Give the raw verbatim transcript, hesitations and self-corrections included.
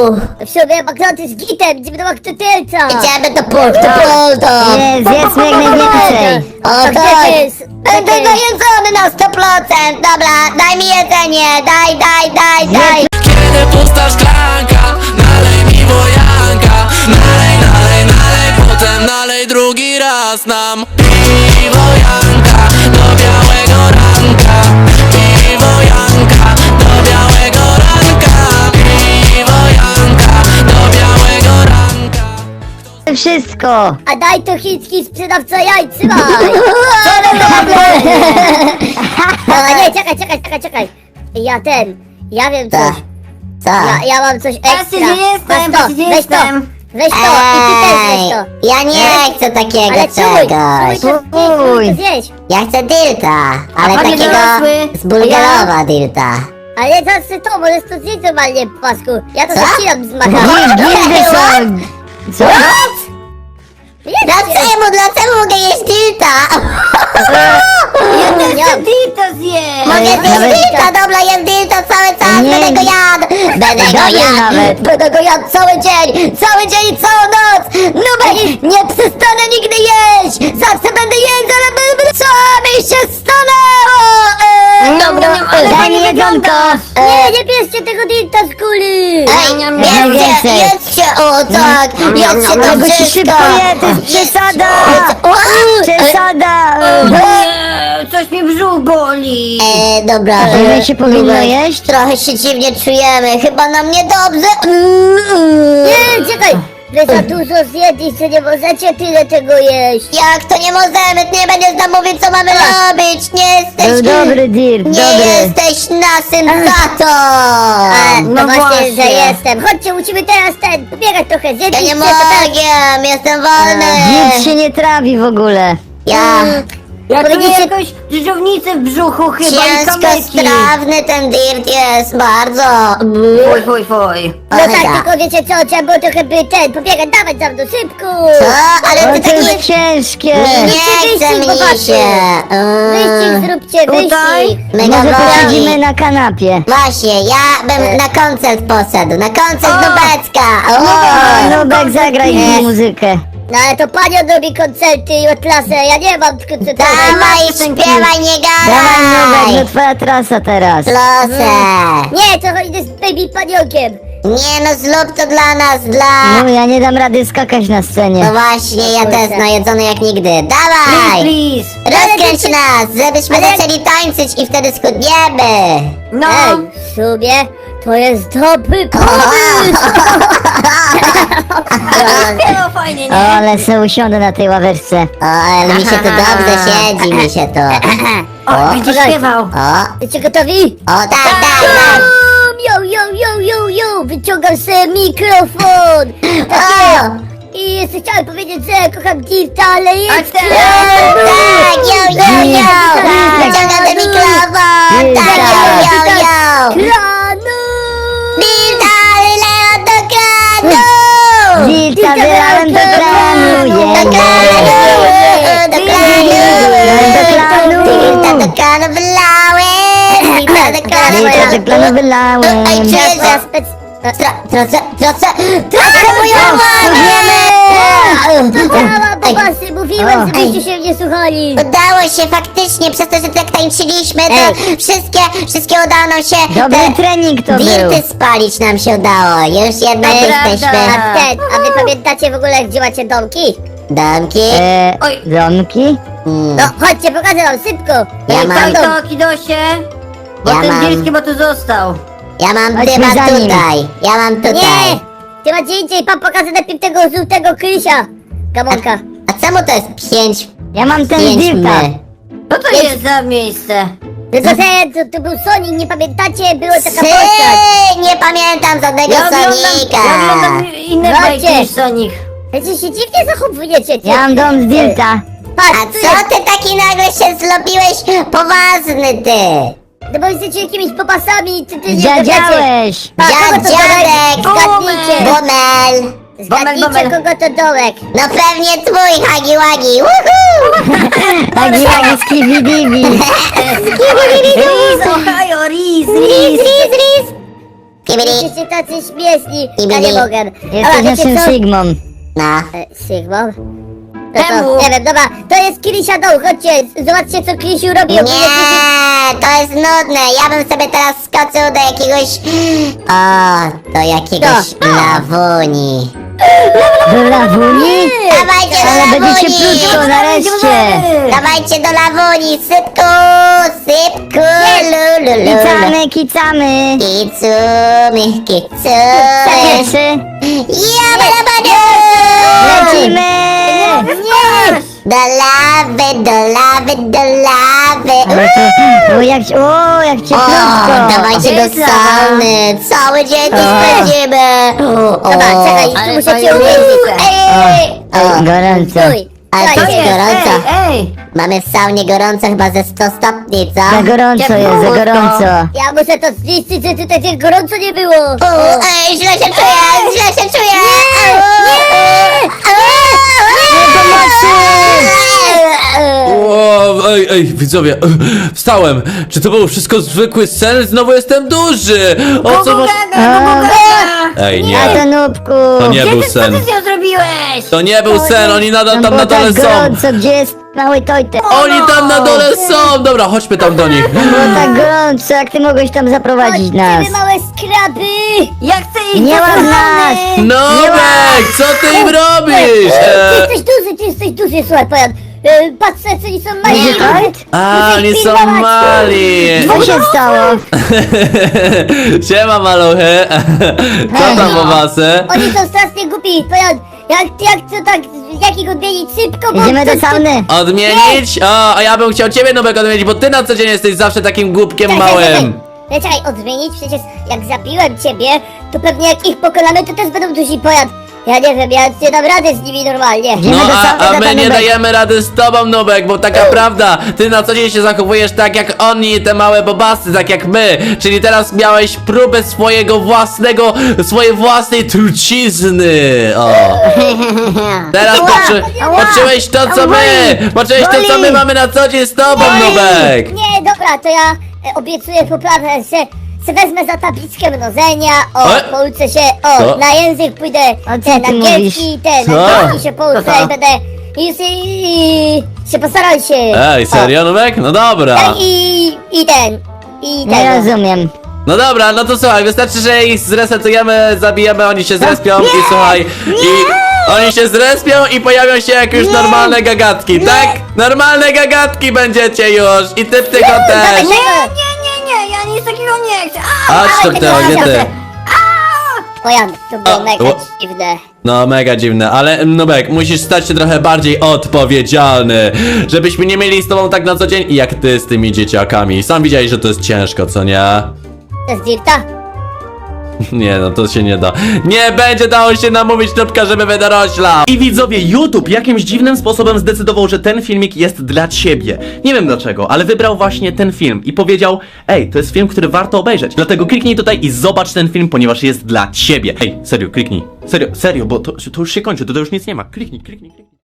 W sumie banknoty z gitem, idziemy do banknotylca. Idziemy do punktu, punktu. Jest, zjedzmy jak najwięcej. O A gdzie tak, to jest? będę Gdzie to jest? najedzony na sto procent. Dobra, daj mi jedzenie, daj, daj, daj, daj. Kiedy pusta szklanka, nalej mi wojanka. Nalej, nalej, nalej, potem nalej drugi raz nam. Piwo Janka do białego ranka. Piwo Janka do białego ranka. Piwo Janka do białego ranka. Wszystko. A daj to chiński sprzedawca jaj, trzymaj. A nie, czekaj, czekaj, czekaj, czekaj. Ja ten, ja wiem Co? coś. Co? Ja, ja mam coś ekstra. Patrzcie, gdzie jestem, Weź to, patrzcie, gdzie weź to, jestem. weź to i ty też weź Ej, to. ja nie chcę takiego Ale czuj, czegoś. czuj to Uj. zjeść, to zjeść. Ja chcę dirta, ale panie takiego dorosły? z bulgarowa dirta. Ale zawsze to, możesz to zjeść normalnie, pasku. Ja to Co? zacinam z maka. Gildy są. Co? Dlaczego, dlaczego mogę jeść dirta? Ja też Nie. chcę Dito zjeść. Mogę Ja zjeść nawet- dirta, dobra, jem dirta cały czas, Nie. będę go jadł. Będę go Dobry jadł, nawet. będę go jadł cały dzień, cały dzień i całą noc. Nubek, nie przestanę nigdy jeść. Zawsze będę jeść, ale będę... Co mi się stanęło? Eee, dobra, Daj mi eee, jedzonko. Nie, nie bierzcie tego dinta z kuli. Ej, jedźcie, Najwięcej. jedźcie, o tak, jedźcie to Tego ci wszystko. szybko je, to jest przesada. O, Przesada. e, Coś mi brzuch boli. e, dobra. Ile e, się powinno Nubek, jeść? Trochę się dziwnie czujemy, chyba nam niedobrze. Nie, czekaj. Wy za dużo zjedliście, nie możecie tyle tego jeść. Jak to nie możemy, ty nie będziesz nam mówić, co mamy robić, nie Był jesteś... dobry Dirt, Nie dobry. jesteś naszym tatą! E, no no właśnie, właśnie. że jestem. Chodźcie, musimy teraz ten, pobiegać trochę, Ja zjedliście nie to teraz. mogę, jestem wolny! Dirt się nie trawi w ogóle. Ja... Ja czuję jakąś drżownicę w brzuchu chyba Ciężko strawny ten dirt jest, bardzo! Fuj, fuj, fuj. No Ojej. tak, tylko wiecie co, trzeba było trochę by ten, pobiegać, dawać za mną, szybko. Co? Ale O, ty to taki... jest ciężkie. Nie Wyścig, chce mi popatrzcie. się! Wyścig Mm. zróbcie, Tutaj? wyścig. Mega Może boli. posiedzimy na kanapie. Właśnie, ja bym na koncert poszedł, na koncert O! Nubecka! O, O! Nubek, zagraj mi muzykę. No ale to panią robi koncerty i klasę, ja nie mam koncertu. Dawaj, śpiewaj, nie Dawaj Nubek, no gadaj! twoja trasa teraz. Proszę! Nie, to idę z baby paniokiem. Nie no, zrób to dla nas, dla... No ja nie dam rady skakać na No scenie. właśnie, ja Kurczę. też najedzony jak nigdy. Please, Dawaj! please. Rozkręć nas, żebyśmy Ale- zaczęli tańczyć i wtedy schudniemy! No. Ej, w sumie to jest dobry pomysł. Śpiewa fajnie, no. nie? O, ale se usiądę na tej ławeczce. O, ale mi się tu dobrze siedzi, mi się to. O, widzisz, Okej. śpiewał. O, Jesteście gotowi? o, tak, tak, tak! Yo, yo, yo, yo, yo, wyciągam sobie mikrofon. Tak O! jest. I jeszcze chciałem powiedzieć, że kocham Dirta, ale jest tak. Tak, yo, yo, yo! Wyciągam ten mikrofon! Tak, yo, yo, yo! Kranu! Dilda, Leo do kranu! Dilta wylałem do kranu, Do jemy. kranu! Do kranu! Do kranu. Dilda do kranu wylałem! Dilda do kranu Dilta do wylałem! kranu wylałem. Ej, czuję, Ja że... spec... Tro- Trocę, trocę, trocę moją mamę! Działa, bo Ej, właśnie mówiłem, O. żebyście się nie słuchali. udało się faktycznie, przez to, że tak tańczyliśmy, to Ej. wszystkie, wszystkie udało nam się... Dobry te trening to był. dirty spalić nam się udało, już jednak Ej, jesteśmy... A ten, a wy pamiętacie w ogóle, gdzie macie domki? Domki? E, Oj. domki? Mm. No, chodźcie, pokażę wam, szybko. Ja Ej, mam- tam dom. to, Kidosie. Bo Ja ten mam- Dirski, bo tu został. Ja mam Chodźmy dywan za nim. tutaj, ja mam tutaj. Nie! Ty macie indziej, pan pokaże najpierw tego żółtego Krysia. Gamonka. A czemu to jest pięć, Ja mam ten pięć Dirta. my? Co to jest za miejsce? No to, ten, to, to był Sonic, nie pamiętacie? Była taka postać. Ty, nie pamiętam żadnego Sonika. inne Chodźcie. bajki niż Sonic. Wiecie, się dziwnie zachowujecie. Ja mam dom z Dirta. Patrz, A tu co jest. ty taki nagle się zrobiłeś poważny, ty? No bo jesteście jakimiś popasami, czy ty nie Dziadziałeś. Pa, kogo Dziad, to dołek? dziadek, Zgadnijcie. Bumel. Zgadnijcie, Bumel, bumel. kogo to dołek. No pewnie twój, Hagi Wagi, woohoo! Taki jak skibidibi. Skibidi-di-di. Ohio, Riz, Riz, riz, riz. Kibili. Jesteście tacy śmieszni. Ja Kibili. nie mogę. Jesteś Dobra, wiecie naszym co? Sigmą. No. E, Sigmą? No Czemu? to, nie wiem, dobra, to jest Krisia Doł, chodźcie, zobaczcie co Krisiu robi. Nie, Ogólnie Krisiu- to jest nudne. Ja bym sobie teraz skoczył do jakiegoś... O, do jakiegoś Co? lawuni. Do lawuni? Dawajcie do Ale będziecie lawuni! krótko, nareszcie. Dawajcie do lawuni, sypku, sypku, lu, lu, lu, lu. Kicamy, kicamy. Kicumi, kicumi. Pierwszy. Ja, balabadu! Lecimy. Nie! Do lawy, do lawy, do lawy. Ale to, o jak, o jak cię O, krótko. dawajcie do Jest sauny, cały dzień tu O. spędzimy. Dobra, czekaj, tu muszę cię uwięzić. Ej, Ej, o, gorąco. Stój, ale to słuchajcie. jest gorąco. Ej, Mamy w saunie gorąco chyba ze sto stopni, co? za gorąco jest, za gorąco. Ja muszę to zniszczyć, że tutaj tak gorąco nie było. O, ej, źle się czuję, źle się czuję. O, ej, ej, widzowie, wstałem! Czy to był wszystko zwykły sen? Znowu jestem duży! O co ma... Ej, A to nie, nubku. to nie był Co sen. ty z nią zrobiłeś? To nie był sen, oni nadal tam było na dole tak są! gorąco, gdzie jest mały tojtek? Oni tam na dole są! Dobra, chodźmy tam do nich. Było tak gorąco, jak ty mogłeś tam zaprowadzić nas? Chodźcie, wy małe skraby. Ja chcę iść Nie do łap sauny. nas! Nowek, co ty im robisz? Ty E, jesteś duży, ty jesteś duży, słuchaj, pojan. E, Patrzę, co oni są mali. Będzie tojt? a, oni są pilnować. mali! Co się stało? Siema, maluchy! Co tam u was? e? Oni są strasznie głupi, pojan. Jak, jak to tak, jak ich odmienić szybko, bo... Idziemy to- do sauny. Odmienić? O, a ja bym chciał ciebie, Nubek, odmienić, bo ty na co dzień jesteś zawsze takim głupkiem Czekaj, czekaj, małym. czekaj. Czekaj, odmienić? Przecież jak zabiłem ciebie, to pewnie jak ich pokonamy, to też będą duzi pojad. Ja nie wiem, ja nie dam rady z nimi normalnie. Idziemy No do a, sauny, a tata my nie Nubek. dajemy rady z tobą, Nubek, bo taka prawda, ty na co dzień się zachowujesz tak jak oni, te małe bobasy, tak jak my. Czyli teraz miałeś próbę swojego własnego, swojej własnej trucizny. O. Teraz poczu, ała, poczułeś to co my, poczułeś to co my boli. mamy na co dzień z tobą, Nubek. Nie, dobra, to ja e, obiecuję poprawę, że se wezmę za tabliczkę mnożenia, o, E? pouczę się, o, Co? na język pójdę, A co te ty angielski, te Co? angielski się pouczę i będę, i, i, i się postaram się. Ej, serio, Nubek? No dobra. O, i, i ten, i Nie ten. rozumiem. No dobra, no to słuchaj, wystarczy, że ich zresetujemy, zabijemy, oni się zrespią i słuchaj, i oni się zrespią i pojawią się jak już normalne gagatki, tak? Normalne gagatki będziecie już i ty tylko Dawaj też. tego. Nie, nie, nie, ja nic takiego nie chcę. A, Chodź tu, dawaj Teo, tego gdzie ty? razem. Pojan, to było A, mega o. dziwne. No mega dziwne, ale Nubek, musisz stać się trochę bardziej odpowiedzialny, żebyśmy nie mieli z tobą tak na co dzień jak ty z tymi dzieciakami. Sam widziałeś, że to jest ciężko, co nie? To jest Dirta? Nie no, to się nie da. Nie będzie dało się namówić Nubka, żeby wydoroślał. I widzowie, YouTube jakimś dziwnym sposobem zdecydował, że ten filmik jest dla ciebie. Nie wiem dlaczego, ale wybrał właśnie ten film i powiedział: ej, to jest film, który warto obejrzeć. Dlatego kliknij tutaj i zobacz ten film, ponieważ jest dla ciebie. Ej, serio, kliknij. Serio, serio, bo to, to już się kończy, to, to już nic nie ma. Kliknij, kliknij, kliknij.